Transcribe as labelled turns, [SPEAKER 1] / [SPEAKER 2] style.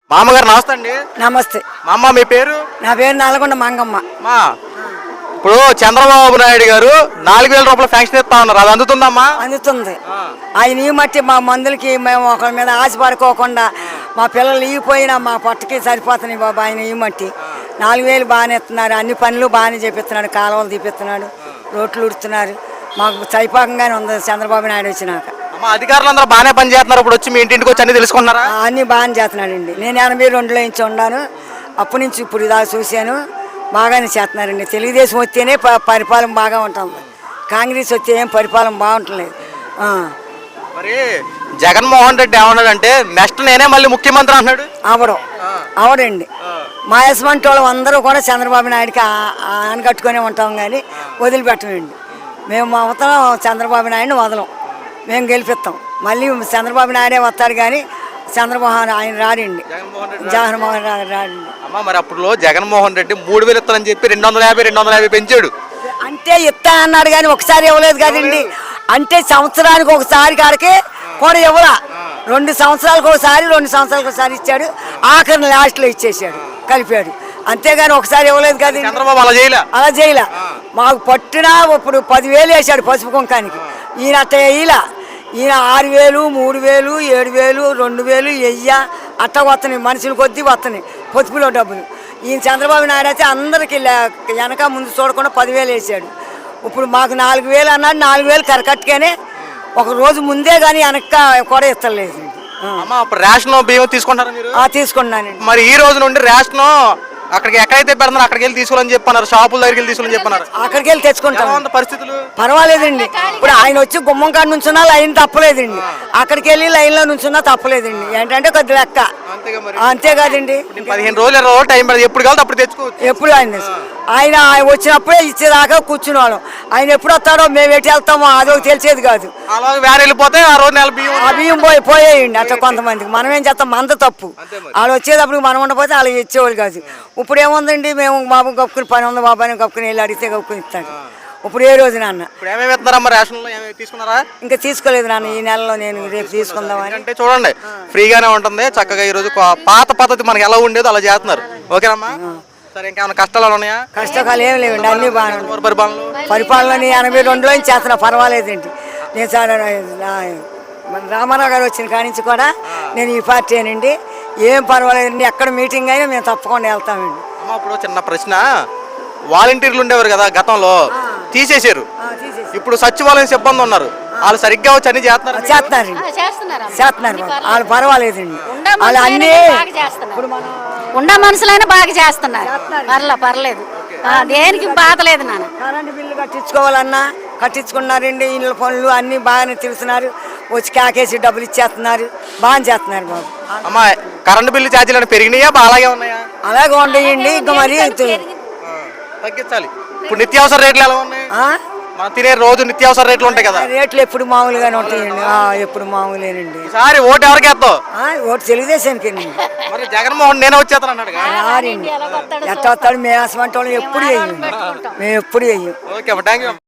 [SPEAKER 1] మామగారు నమస్తే అండి.
[SPEAKER 2] నమస్తే.
[SPEAKER 1] మా అమ్మ మీ పేరు?
[SPEAKER 2] నా పేరు నల్గొండ మంగమ్మ.
[SPEAKER 1] మా ఇప్పుడు చంద్రబాబు నాయుడు గారు 4,000 రూపాయలు ఫ్యాంక్షన్ ఇస్తా ఉన్నారు, అది అందుతుందమ్మా?
[SPEAKER 2] అందుతుంది. ఆయన ఈ మట్టి మా మందులకి మేము ఒకరి మీద ఆశపడుకోకుండా మా పిల్లలు ఇగిపోయినా మా పొట్టకి సరిపోతున్నాయి బాబు. ఆయన ఈ మట్టి 4,000 బాగానే ఇస్తున్నారు, అన్ని పనులు బాగానే చేపిస్తున్నాడు, కాలువలు తీపిస్తున్నాడు, రోడ్లు ఉడుతున్నారు. మాకు సైపాకంగానే ఉంది చంద్రబాబు నాయుడు వచ్చినాక.
[SPEAKER 1] అధికారులు అందరూ బాగానే పని చేస్తున్నారు. ఇప్పుడు వచ్చి మీ ఇంటికి వచ్చి అన్ని తెలుసుకున్నారా?
[SPEAKER 2] అన్ని బాగానే చేస్తున్నాడండి. నేను 82లో నుంచి ఉన్నాను, అప్పటి నుంచి ఇప్పుడు ఇదా చూశాను. బాగానే చేస్తున్నారండి. తెలుగుదేశం వస్తేనే పరిపాలన బాగా ఉంటుంది, కాంగ్రెస్ వస్తే ఏం పరిపాలన బాగుంటలేదు.
[SPEAKER 1] మరి జగన్మోహన్ రెడ్డి ఏమన్నాడంటే నెక్స్ట్ నేనే మళ్ళీ ముఖ్యమంత్రి అన్నాడు.
[SPEAKER 2] అవడండి మా యశ్వంటి వాళ్ళు అందరూ కూడా చంద్రబాబు నాయుడికి ఆనకట్టుకునే ఉంటాం, కానీ వదిలిపెట్టమండి. మేము అవతలం చంద్రబాబు నాయుడిని వదలం, మేము గెలిపిస్తాం. మళ్ళీ చంద్రబాబు నాయుడే వస్తాడు, కానీ చంద్రమోహన్ ఆయన రాడండి, జగన్మోహన్ రాడండి.
[SPEAKER 1] అమ్మ మరి అప్పుడు జగన్మోహన్ రెడ్డి 3,000 ఇస్తానని చెప్పి 250 పెంచాడు.
[SPEAKER 2] అంటే ఇస్తా అన్నాడు కానీ ఒకసారి ఇవ్వలేదు కదండి. అంటే సంవత్సరానికి ఒకసారి కాడికి కూడా ఇవ్వలా, 2 సంవత్సరాలకు ఒకసారి 2 సంవత్సరాలకు ఒకసారి ఇచ్చాడు. ఆఖరిని లాస్ట్లో ఇచ్చేసాడు, కలిపాడు. అంతేగాని ఒకసారి ఇవ్వలేదు కదా.
[SPEAKER 1] చంద్రబాబు అలా చేయలే.
[SPEAKER 2] మాకు పట్టినా ఇప్పుడు 10,000 వేసాడు పసుపు కుంకానికి. ఈయన అట్ట వేయలా. ఈయన 6,000, 3,000, 7,000, 2,000, 1000 అట్ట వస్తున్నాయి, మనుషులు కొద్దీ వస్తున్నాయి పొదుపులో డబ్బులు. ఈయన చంద్రబాబు నాయుడు అయితే అందరికి వెనక ముందు చూడకుండా 10,000 వేసాడు. ఇప్పుడు మాకు 4,000 అన్నాడు, 4,000 కరకట్టుగానే ఒక రోజు ముందే కానీ వెనక కూడా ఇస్తలేదు.
[SPEAKER 1] రేషన్ బియ్యం తీసుకుంటారా మీరు?
[SPEAKER 2] తీసుకున్నానండి.
[SPEAKER 1] మరి ఈ రోజు నుండి రేషన్ అక్కడికి ఎక్కడైతే పెడతారో అక్కడికి వెళ్ళి తీసుకోవాలని చెప్పన్నారు, షాపుల దగ్గరికి వెళ్ళి తీసుకోవాలని చెప్పన్నారు.
[SPEAKER 2] అక్కడికి వెళ్ళి తెచ్చుకుంటాం.
[SPEAKER 1] పరిస్థితులు
[SPEAKER 2] పర్వాలేదండి. ఇప్పుడు ఆయన వచ్చి గుమ్మం కాడ నుంచున్నా లైన్ తప్పలేదండి, అక్కడికి వెళ్ళి లైన్లో నుంచున్నా తప్పలేదండి. ఏంటంటే కొద్ది లెక్క, అంతే కాదండి.
[SPEAKER 1] 15 రోజులు టైం పడుతుంది, ఎప్పుడు కావాలి అప్పుడు తెచ్చుకోవచ్చు.
[SPEAKER 2] ఎప్పుడు ఆయన వచ్చినప్పుడే ఇచ్చేదాకా కూర్చునేవాళ్ళం. ఆయన ఎప్పుడు వస్తాడో మేము ఎటు వెళ్తామో అదో తెలిసేది కాదు.
[SPEAKER 1] వేరే వెళ్ళిపోతే ఆ రోజు నెల
[SPEAKER 2] బియ్యం పోయేయండి అట్లా కొంతమందికి. మనం ఏం చేస్తాం, మంద తప్పు. వాళ్ళు వచ్చేటప్పుడు మనం ఉండకపోతే వాళ్ళు ఇచ్చేవాళ్ళు కాదు. ఇప్పుడు ఏముందండి, మేము బాబు కప్పుకుని పని ఉంది బాబు అని కప్పుకుని వెళ్ళి అడిగితే కప్పుకుని ఇస్తాడు. ఇప్పుడు ఏ రోజు నాన్న ఇంకా తీసుకోలేదు నాన్న, ఈ నెలలో నేను రేపు తీసుకుందామని.
[SPEAKER 1] అంటే చూడండి ఫ్రీగానే ఉంటుంది చక్కగా. ఈ రోజు పాత పద్ధతి మనకి ఎలా ఉండేదో అలా చేస్తున్నారు. ఓకేనమ్మా? సరే, ఇంకేమైనా కష్టాలు ఉన్నాయా?
[SPEAKER 2] కష్టాలు ఏమి లేవండి, అన్ని బాగా పరిపాలన 82లో చేస్తున్నా, పర్వాలేదండి. నేను చాలా రామారావు గారు వచ్చిన కాడి నుంచి కూడా నేను ఈ పార్టీ అనండి, ఏం పర్వాలేదండి. ఎక్కడ మీటింగ్ అయినా మేము తప్పకుండా వెళ్తామండి.
[SPEAKER 1] ఇప్పుడు చిన్న ప్రశ్న, వాలంటీర్లు ఉండేవారు కదా గతంలో, తీసేశారు. ఇప్పుడు సచివాలయం సిబ్బంది ఉన్నారు, వాళ్ళు సరిగ్గా వచ్చి అన్ని
[SPEAKER 2] చేస్తున్నారు వాళ్ళు, పర్వాలేదండి. వాళ్ళు అన్ని
[SPEAKER 3] ఉండ మనుషులైనా బాగా చేస్తున్నారు, పర్లేదు, దేనికి బాధ లేదు. నాన్న
[SPEAKER 2] కరెంటు బిల్లు కట్టించుకోవాలన్నా కట్టించుకున్నారండి, ఇళ్ళ పనులు అన్ని బాగానే తెలుస్తున్నారు. వచ్చి కాకేసి డబ్బులు ఇచ్చేస్తున్నారు, బాగా చేస్తున్నారు బాబు.
[SPEAKER 1] అమ్మా కరెంటు బిల్లు ఛార్జీలు పెరిగినాయా అలాగే ఉన్నాయా?
[SPEAKER 2] అలాగే ఉండయండి, ఇంకా మరి
[SPEAKER 1] తగ్గించాలి. ఇప్పుడు నిత్యావసర రేట్లు ఎలా ఉన్నాయి? మనం తినే రోజు నిత్యావసర రేట్లు ఉంటాయి కదా,
[SPEAKER 2] రేట్లు ఎప్పుడు మామూలుగానే ఉంటాయండి. ఎప్పుడు మామూలేనండి.
[SPEAKER 1] ఈసారి ఓటు ఎవరికి వేస్తావు?
[SPEAKER 2] ఓటు తెలుగుదేశానికి.
[SPEAKER 1] మరి జగన్మోహన్ నేనే వచ్చేస్తాను అన్నాడు.
[SPEAKER 2] ఎట్ట వస్తాడు? మేము అసలు ఎప్పుడు వేయం, మేము ఎప్పుడు వేయం.
[SPEAKER 1] Okay, thank you.